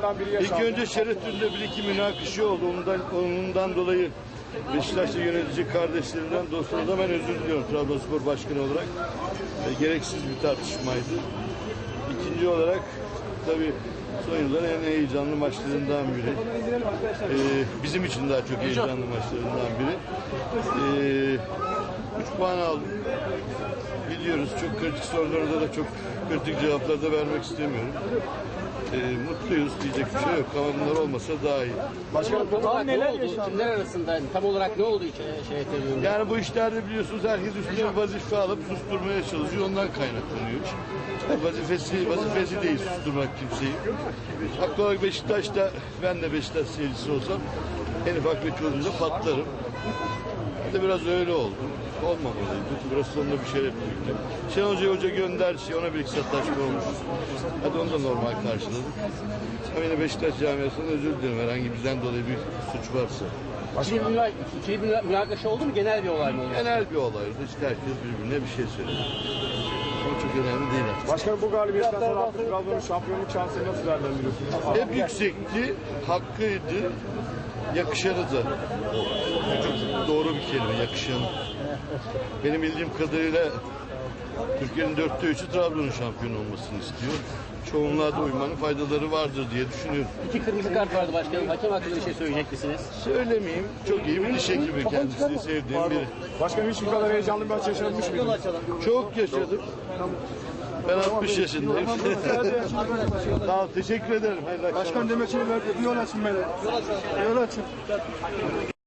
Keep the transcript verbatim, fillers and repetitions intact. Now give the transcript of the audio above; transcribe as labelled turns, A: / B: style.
A: maçlarından biri yaşandı.
B: İlk önce Şerefü'nde bir iki münakaşa oldu. Ondan, ondan dolayı Beşiktaş'ta yönetici kardeşlerimden, dostlarımdan ben özür diliyorum Trabzonspor Başkanı olarak. E, gereksiz bir tartışmaydı. İkinci olarak tabii son yılların en heyecanlı maçlarından biri. E, bizim için daha çok heyecanlı maçlarından biri. E, üç puan aldık. Biliyoruz çok kritik sorularda da çok kritik cevaplar da vermek istemiyorum. E, mutluyuz diyecek bir şey yok ama bunlar olmasa daha iyi.
C: Başkanım tam olarak ne oldu? Kimler arasında tam olarak ne oldu şey, şey tabii?
B: Yani bu işlerde biliyorsunuz herkes üstüne bir vazife alıp susturmaya çalışıyor. Ondan kaynaklanıyor iş. Bu vazifesi, vazifesi değil susturmak kimseyi. Haklı olarak Beşiktaş'ta ben de Beşiktaş seyircisi olsam en ufak bir çocuğunda patlarım. Bir de biraz öyle oldu. Olmamalıydı. Biraz sonunda bir şey yapıyorduk. Şenol Hoca hoca gönder şey ona bir iki sataşma olmuş. Hadi onu da normal karşıladık. Ama yine Beşiktaş camiasından özür dilerim herhangi bizden dolayı bir suç varsa.
C: İkili bir, ikili bir münakaşa oldu mu? Genel bir olay mı oldu?
B: Genel bir olaydı. İşte herkes birbirine bir şey söyledi. Ama çok önemli değil artık.
A: Başkanım bu galibiyetten sonra artık Trabzon'un şampiyonluk şansını nasıl değerlendiriyorsunuz?
B: Hep yüksekti, hakkıydı, yakışanı da. Çok doğru bir kelime, yakışan. Benim bildiğim kadarıyla Türkiye'nin dörtte üçü Trabzon'un şampiyon olmasını istiyor. Çoğunluğa da uymanın faydaları vardır diye düşünüyorum.
C: İki kırmızı kart vardı başkanım. Hakem hakkında bir şey söyleyecek misiniz?
B: Söylemeyeyim, çok iyi bir diş hekimi kendisini sevdiğim biri.
A: Başkanım hiç bu kadar heyecanlı bir maç yaşanmış mıydı?
B: Çok yaşadım. Ben altmış yaşındayım. Sağ ol, teşekkür ederim. Hayırlı akşamlar.
A: Başkan demek için verdi. Yol açın beni. Yol açın.